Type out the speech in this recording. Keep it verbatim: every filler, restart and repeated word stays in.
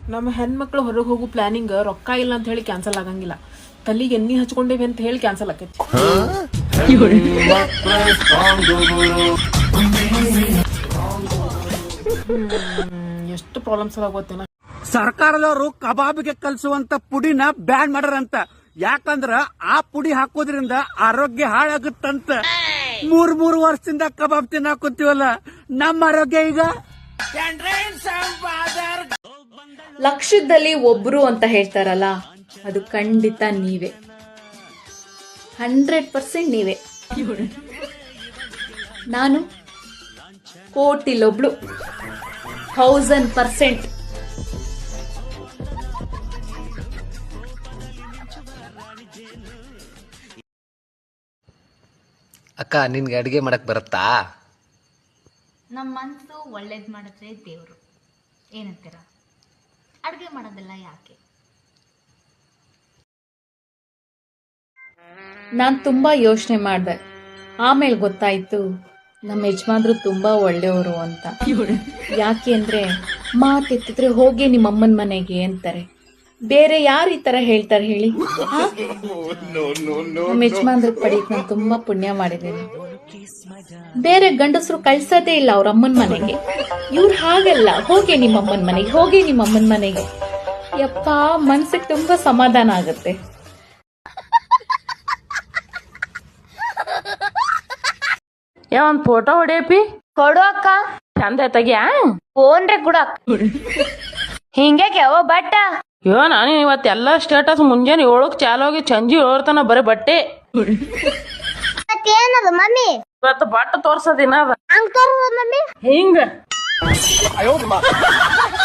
ನಮ್ಮ ಹೆಣ್ಮಕ್ಳು ಹೊರಗೆ ಹೋಗೋ ಪ್ಲಾನಿಂಗ್ ರೊಕ್ಕ ಇಲ್ಲ ಅಂತ ಹೇಳಿ ಕ್ಯಾನ್ಸಲ್ ಆಗಂಗಿಲ್ಲ. ತಲೆಗೆ ಎಣ್ಣೆ ಹಚ್ಕೊಂಡೇವಿ ಅಂತ ಹೇಳಿ ಕ್ಯಾನ್ಸಲ್ ಆಕೈತಿ. ಎಷ್ಟು ಪ್ರಾಬ್ಲಮ್ಸ್ ಆಗೋತ್ತೇನ. ಸರ್ಕಾರದವರು ಕಬಾಬ್ಗೆ ಕಲ್ಸುವಂತ ಪುಡಿನ ಬ್ಯಾನ್ ಮಾಡ್ಯಾರಂತ. ಯಾಕಂದ್ರ ಆ ಪುಡಿ ಹಾಕೋದ್ರಿಂದ ಆರೋಗ್ಯ ಹಾಳಾಗುತ್ತಂತ. ಮೂರ್ ಮೂರು ವರ್ಷದಿಂದ ಕಬಾಬ್ ತಿನ್ನಾಕುತ್ತೀವಲ್ಲ, ನಮ್ಮ ಆರೋಗ್ಯ ಈಗ ಲಕ್ಷದಲ್ಲಿ ಒಬ್ರು ಅಂತ ಹೇಳ್ತಾರಲ್ಲ, ಅದು ಖಂಡಿತ ನೀವೇ. ಹಂಡ್ರೆಡ್ ಪರ್ಸೆಂಟ್ ನೀವೇ. ನಾನು ಕೋಟಿಲೊಬ್ಳು, ಥೌಸಂಡ್ ಪರ್ಸೆಂಟ್. ಅಕ್ಕ, ನಿನ್ಗೆ ಅಡುಗೆ ಮಾಡಕ್ ಬರುತ್ತಾ? ನಮ್ಮ ಮನಸ್ಸು ಒಳ್ಳೇದು ಮಾಡಿದ್ರೆ ದೇವರು ಏನಂತೀರ? ಅಡುಗೆ ಮಾಡೋದೆಲ್ಲ ಯಾಕೆ? ನಾನು ತುಂಬಾ ಯೋಚನೆ ಮಾಡಿದೆ. ಆಮೇಲೆ ಗೊತ್ತಾಯ್ತು ನಮ್ಮ ಯಜಮಾನ್ರು ತುಂಬಾ ಒಳ್ಳೆಯವರು ಅಂತ. ಯಾಕೆ ಅಂದ್ರೆ ಮಾತೆತ್ತಿದ್ರೆ ಹೋಗಿ ನಿಮ್ಮ ಅಮ್ಮನ ಮನೆಗೆ ಅಂತಾರೆ. ಬೇರೆ ಯಾರು ಈ ತರ ಹೇಳ್ತಾರೆ ಹೇಳಿ? ನಮ್ಮ ಯಜಮಾನ್ರ ಪಡೀಕ್ ನಾನು ತುಂಬಾ ಪುಣ್ಯ ಮಾಡಿದ್ದೀನಿ. ಬೇರೆ ಗಂಡಸರು ಕಳ್ಸೋದೇ ಇಲ್ಲ ಅವ್ರ ಅಮ್ಮನ ಮನೆಗೆ. ಇವ್ರು ಹಾಗಲ್ಲ, ಹೋಗಿ ನಿಮ್ಮ ಅಮ್ಮನ ಮನೆಗೆ, ಹೋಗಿ ನಿಮ್ಮ ಅಮ್ಮನ ಮನೆಗೆ. ಯಪ್ಪ, ಮನ್ಸಿಗೆ ತುಂಬಾ ಸಮಾಧಾನ ಆಗುತ್ತೆ. ಒಂದ್ ಫೋಟೋ ಹೊಡಿಯಪಿ ಕೊಡು ಅಕ್ಕ. ಚಂದ ತೆಗಿಯಾ? ಫೋನ್ರೆ ಕೂಡ ಹಿಂಗೆ ಯಾವ ಬಟ್ಟ ಅಯ್ಯೋ, ನಾನು ಇವತ್ತೆಲ್ಲ ಸ್ಟೇಟಸ್ ಮುಂಜಾನೆ ಏಳಕ್ ಚಾಲು ಹೋಗಿ ಸಂಜೆ ಏಳ್ತಾನ ಬರೀ ಬಟ್ಟೆ. ಏನದು ಮಮ್ಮಿ? ಇವತ್ತು ಬಟ್ಟೆ ತೋರ್ಸೋದಿನ ಅದ ಹಂಗ್ ತೋರ್ಸೋದ್ ಮಮ್ಮಿ ಹಿಂಗ.